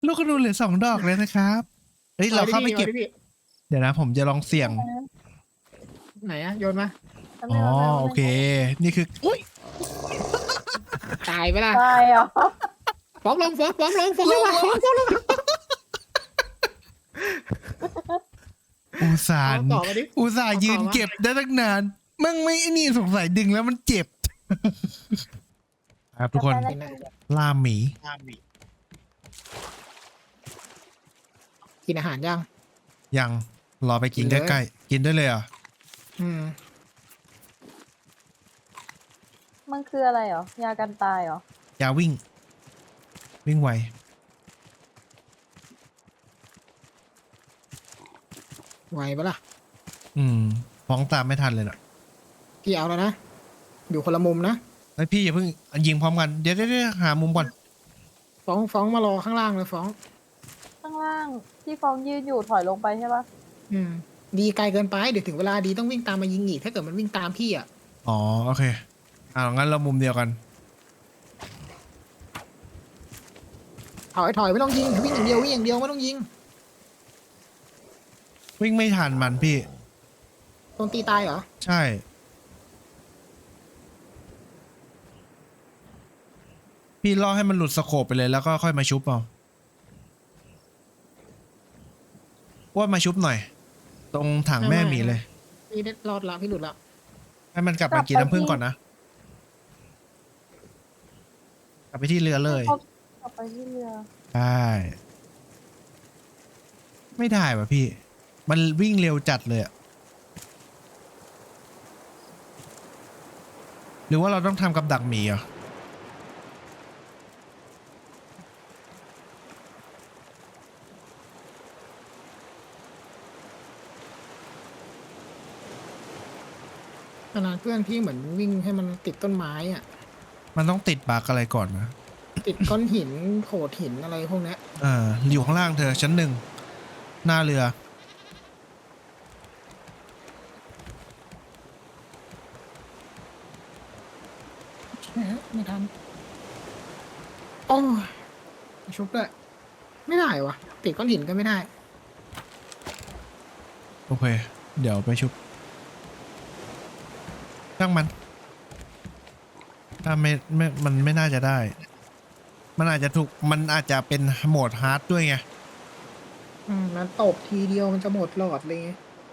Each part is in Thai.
ลูกกระดูเหลือ2 ดอกเลยนะครับเฮ้ยเราเข้าไปเก็บเดี๋ยวนะผมจะลองเสี่ยงไหนอะโยนมาอ๋อโอเคนี่คืออุ้ยตายไปละตายเหรอฟ้องลงฟ้องลงฟ้องลงอุตส่าห์ยืนเก็บได้ตั้งนานมั่งไม่นี่สงสัยดึงแล้วมันเจ็บครับทุกคนล่าหมีกินอาหารยังยังรอไปกินใกล้ๆกินได้เลยอ่ะมันคืออะไรเหรอยากันตายเหรอยาวิ่งไวไหวปะล่ะฟ้องตามไม่ทันเลยน่ะพี่เอาแล้วนะอยู่คนละมุมนะไอพี่อย่าเพิ่งยิงพร้อมกันเดี๋ยวหามุมก่อนฟ้องมารอข้างล่างเลยฟ้องข้างล่างที่ฟองยืนอยู่ถอยลงไปใช่ปะดีไกลเกินไปเดี๋ยวถึงเวลาดีต้องวิ่งตามมายิงอีกถ้าเกิดมันวิ่งตามพี่อ่ะอ๋อโอเคงั้นเรามุมเดียวกันถอยไม่ต้องยิงวิ่งอย่างเดียวไม่ต้องยิงวิ่งไม่ทันมันพี่โดนตีตายเหรอใช่พี่ล่อให้มันหลุดสโคปไปเลยแล้วก็ค่อยมาชุบเอาว่ามาชุบหน่อยตรงถังแม่หมีเลยพี่ได้รอดละพี่หลุดละให้มันกลับมากินน้ำผึ้งก่อนนะกลับไปที่เรือเลยกลับไปที่เรือใช่ไม่ได้ว่ะพี่มันวิ่งเร็วจัดเลยอะหรือว่าเราต้องทำกับดักหมีอ่ะขนาดเพื่อนพี่เหมือนวิ่งให้มันติดต้นไม้อ่ะมันต้องติดบักอะไรก่อนนะติดก้อนหินโขดหินอะไรพวกนี้อยู่ข้างล่างเธอชั้น 1หน้าเรือไม่ทันโอ้ยชุบด้วยไม่ได้วะติดก้อนหินก็ไม่ได้โอเคเดี๋ยวไปชุบช่างมันถ้ามันไม่น่าจะได้มันอาจจะเป็นโหมดฮาร์ดด้วยไงมันตบทีเดียวมันจะหมดหลอดเลย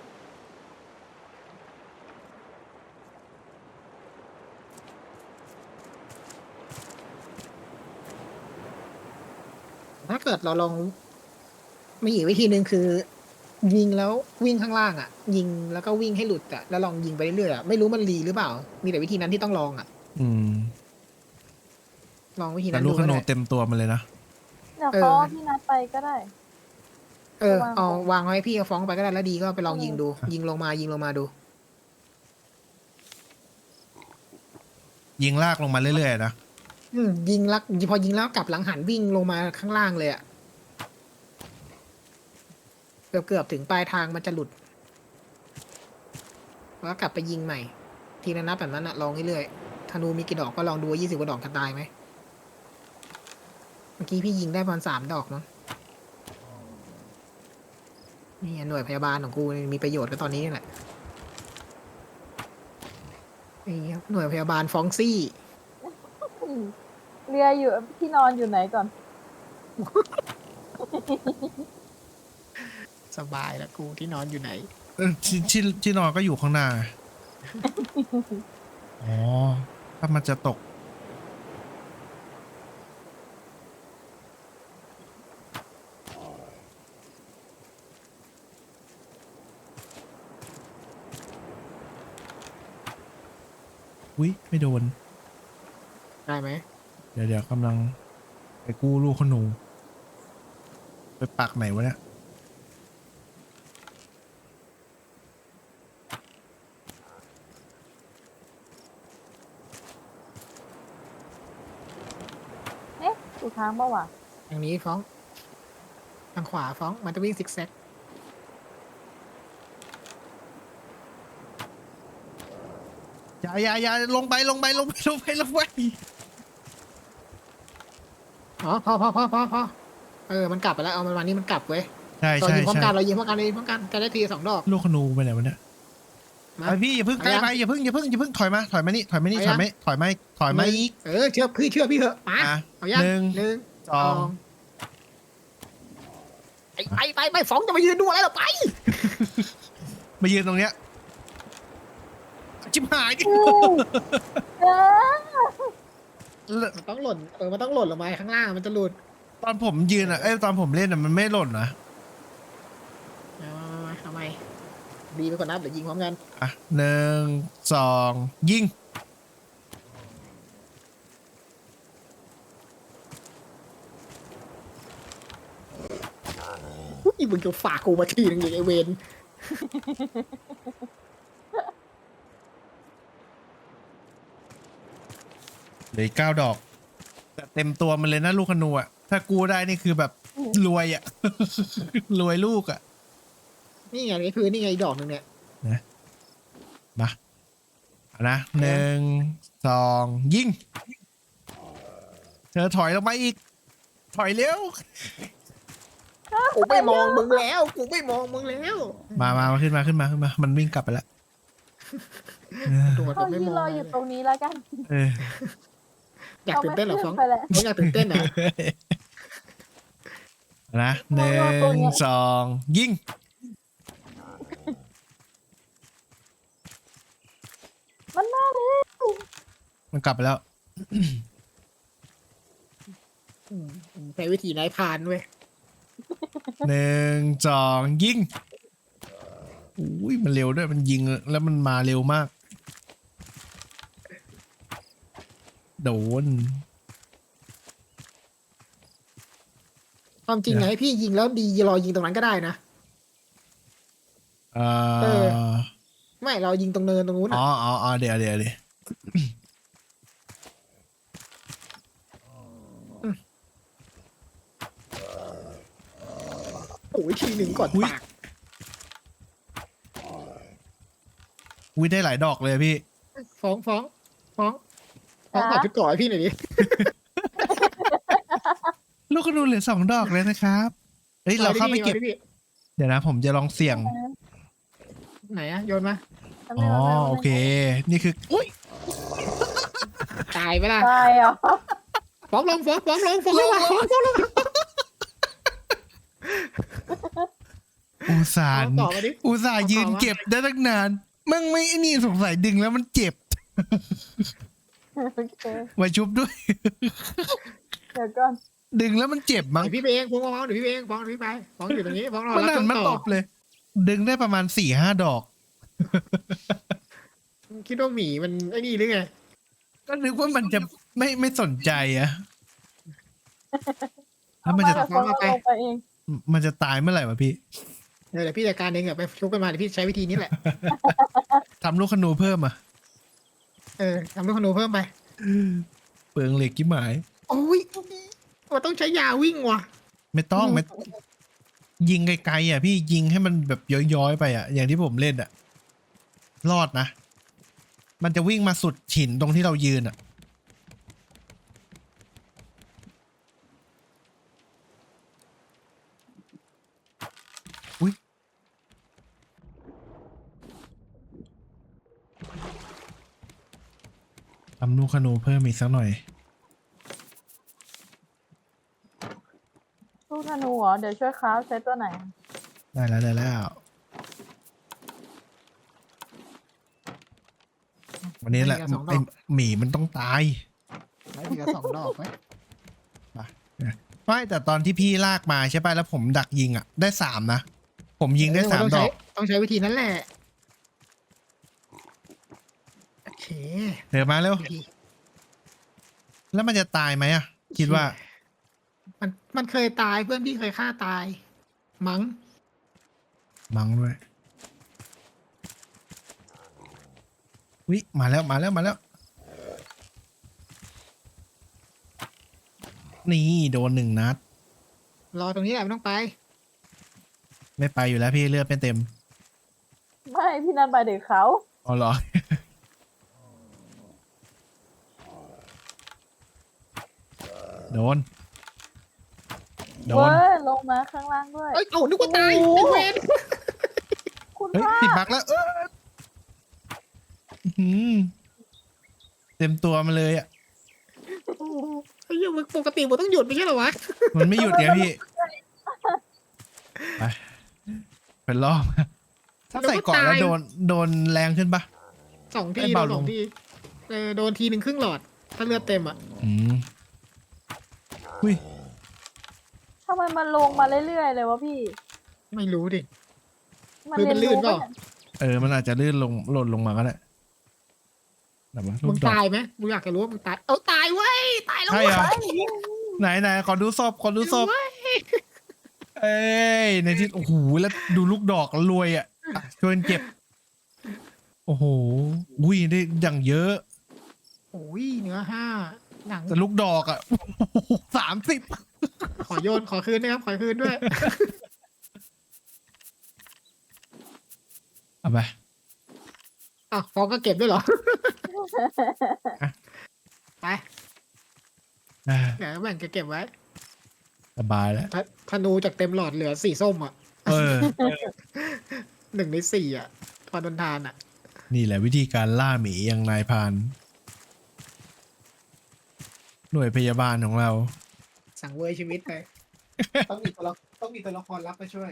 ถ้าเกิดเราลองมีอีกวิธีหนึ่งคือยิงแล้ววิ่งข้างล่างอ่ะยิงแล้วก็วิ่งให้หลุดอ่ะแล้วลองยิงไปเรื่อยๆอ่ะไม่รู้มันรีหรือเปล่ามีแต่วิธีนั้นที่ต้องลองอ่ะลองวิธีนั้นดูลูกขนูเต็มตัวมันเลยนะเดี๋ยวเขาพี่นัดไปก็ได้เอาวางไว้พี่ก็ฟ้องไปก็ได้แล้วดีก็ไปลองยิงดูยิงลงมาดูยิงลากลงมาเรื่อยๆนะยิงลักพอยิงแล้วกลับหลังหันวิ่งลงมาข้างล่างเลยอ่ะเกือบถึงปลายทางมันจะหลุดแล้วกลับไปยิงใหม่ทีละนัดแบบนั้นอะลองเรื่อยๆธนูมีกี่ดอกก็ลองดูว่า20 กว่าดอกจะตายไหมเมื่อกี้พี่ยิงได้ประมาณ3 ดอกมั้งนี่หน่วยพยาบาลของกูมีประโยชน์ก็ตอนนี้นี่แหละนี่ครับหน่วยพยาบาลฟองซี่เรืออยู่ที่นอนอยู่ไหนก่อนสบายแล้วกูที่นอนอยู่ไหนที่นอนก็อยู่ข้างหน้าอ๋อถ้ามันจะตกอุ๊ยไม่โดนได้ไหมเดี๋ยวกำลังไปกู้ลูกขนูไปปักไหนวะเนี่ยถูกทางเปล่าวะทางนี้ฟ้องทางขวาฟ้องมันจะวิ่งซิกแซกอย่าลงไปอ๋อพอมันกลับไปแล้วเอามันวันนี้มันกลับเว้ยใช่เราใช่ยิงพร้อมใช่กันเรายิงพร้อมกันเลยพร้อมกันจะได้ที2 ดอกลูกขนูไปไหนวะเนี่ยมาไอพี่อย่าเพิ่งใกล้เอายังไปอย่าเพิ่งถอยมานี่ถอยมาเอายังอีกเชื่อพี่เถอะมาอ่ะเอายังหนึ่งสองไปฟ้องจะมายืนดูอะไรหรอไปมายืนตรงเนี้ยชิบหายดิเออมันต้องหล่นมันต้องหล่นลงมาข้างล่างมันจะหลุดตอนผมยืนอ่ะตอนผมเล่นอ่ะมันไม่หล่นนะมาทำไมดีไปกว่านับเดี๋ยวยิงพร้อมกันอ่ะหนึ่งสองยิงอีมึงจะฝากกูมาทีนึงอย่างไอเวนเหลืออก9 ดอกแต่เต็มตัวมันเลยนะลูกขนูอ่ะถ้ากูได้นี่คือแบบรวยอ่ะ รวยลูกอ่ะนี่ไงนี่คือนี่ไงอีกดอกหนึ่งเนี่ยมาเอานะหนึ่งสองยิงเธอถอยลงมาอีกถอยเร็วกูไม่มองมึงแล้วมาขึ้นมามันวิ่งกลับไปแล้วโดดเขาไม่ยืนมรออง อยู่ตรงนี้แล้วกันเอออยากตื่นเต้นเหรอฟ้องไปแล้วอยากตื่นเต้นเหรอนะหนึ่งสองยิงมันมาเลยมันกลับไปแล้วใช้วิธีนายพรานเว้ยหนึ่งสองยิงอุ้ยมันเร็วด้วยมันยิงแล้วมันมาเร็วมาก โดนความจริงไงพี่ยิงแล้วดีรอยิงตรงนั้นก็ได้นะเอเออไม่เรายิงตรงเนินตรงนู้นอ๋อ่ะอเดี๋ยวโอ้ยทีหนึ่งก่อนปากอุ้ยได้หลายดอกเลยพี่ฟ้องถอดชุดก่อนให้พี่หน่อยดิลูกกระดูเหลือ2 ดอกเลยนะครับเฮ้ยเราเข้าไปเก็บอดิพี่เดี๋ยวนะผมจะลองเสี่ยงไหนอะโยนมาอ๋อโอเค นี่คืออุ้ยตายไปละตายเหรอฟ้องลงอุตส่าห์ต่อมาดิอุตส่าห์ยืนเก็บได้ตั้งนานมั่งไม่ไอ้นี่สงสัยดึงแล้วมันเจ็บโอเคมาชุบด้วยเดี๋ยวก่อนดึงแล้วมันเจ็บมั้งเดี๋ยวพี่ไปเองฟ้องเดี๋ยวพี่ไปเองฟ้องพี่ไปฟ้องอยู่ตรงนี้ฟ้องรอมันรับหัช่นวงมาต่ตอบเลย ดึงได้ประมาณ4-5 ดอกคิดว่าหมีมันไอ้นี่หรือไงก็นึกว่ามันจะไม่สนใจอะแล้วมันจะเอามาเดี๋ยวเขาลงไปเองมันจะตายเมื่อไหร่วะพี่เดี๋ยวพี่จัดการเองไปชุบกันมาเดี๋ยวพี่ใช้วิธีนี้แหละทำลูกขนูเพิ่มอ่ะทำลูกขนูเพิ่มไปเปลืองเหล็กกี่หมายโอ้ยมันต้องใช้ยาวิ่งว่ะไม่ต้องไม่ยิงไกลๆอ่ะพี่ยิงให้มันแบบย้อยๆไปอ่ะ อย่างที่ผมเล่นอ่ะ รอดนะ มันจะวิ่งมาสุดหินตรงที่เรายืนอ่ะ อุ้ยทำลูกขนูเพิ่มอีกสักหน่อยลูกธนูเหรอ เดี๋ยวช่วยค้าฟใช้ตัวไหนได้แล้ว วันนี้แหละไอหมีมันต้องตายใช้ทีละ2 ดอกไหมไม่แต่ตอนที่พี่ลากมาใช่ป่ะแล้วผมดักยิงอ่ะ ได้3นะผมยิงได้3 ดอกต้องใช้วิธีนั้นแหละโอเคเดี๋ยวมาเร็ววิธีแล้วมันจะตายไหมอ่ะ คิดว่ามันเคยตายเพื่อนพี่เคยฆ่าตาย มั้งมังด้วยวิมาแล้ว นี่โดน1 นัดรอตรงนี้แหละไม่ต้องไปไม่ไปอยู่แล้วพี่เลือดไม่เต็มไม่ พี่นันไปเด็กเขาอ๋อเหรอ โดนโดเว้นยลงมาข้างล่างด้วยเอ้ยเอานึกว่าตายโอ้โหไอ้เวนคุณเฮ้ยว่าติดบักแล้วอื้อหือเต็มตัวมาเลยอ่ะโอ้โหไอ้เหี้ยมึงปกติมันต้องหยุดไม่ใช่เหรอวะมันไม่หยุดไงพี่ ไปเป็นรอบถ้าใส่เกาะแล้วโดนแรงขึ้นปะ 2 ทีให้โดเบาน ลง 2 ทีโดนทีหนึ่งครึ่งหลอด ถ้าเลือดเต็มอ่ะอืมอุ้ยทำไมมันลงมาเรื่อยๆเลยวะพี่ไม่รู้ดิมันหรือมันลื่นเปล่าปะยมันอาจจะลื่นลงหล่นลงมาก็ได้แบบว่าลูมึกงดอกตายไหมกูอยากจะรู้ว่ามึงตาย เอาตายเว้ย ตายแล้วใช่เว้ยเหรอไหนขอดูศพขอดูศพเว้ยเอ้ยในที่โอ้โหแล้วดูลูกดอกรวยอ่ะช่วยกันเก็บ โอ้โหอุ้ยได้อย่างเยอะโอ้ยเนื้อ5 หนังแต่ลูกดอกอ่ะ 30 ขอโยน ขอคืนนะครับ ขอคืนด้วยเอาไปอ่ะฟองก็เก็บด้วยเหรอ ไป เดี๋ยวแบ่งเก็บไว้สบายแล้วธนูจากเต็มหลอดเหลือสีส้มอ่ะเออ 1 ใน 4อ่ะ พอโดนทานอ่ะนี่แหละวิธีการล่าหมีอย่างนายพราน หน่วยพยาบาลของเราสั่งเวยชีวิตไป ต้องมีตัวละครรับมาช่วย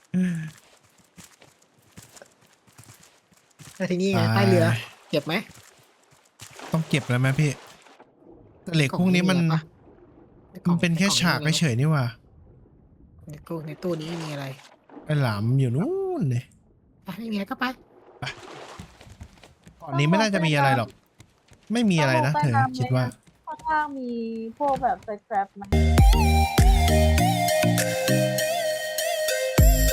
แล้วทีนี้ไงใต้เรือ เก็บไหมต้องเก็บแล้วไหมพี่แต่เหล็กพวกนี้มันเป็นแค่ฉากเฉยๆนี่หว่าในตู้นี้ไม่มีอะไรไอ้หลามอยู่นู่นเลยไปไม่มีอะไรก็ไปก่อนนี้ไม่น่าจะมีอะไรหรอก ไม่มีอะไรนะเธอคิดว่าข้างล่างมีพวกแบบสแครปไหม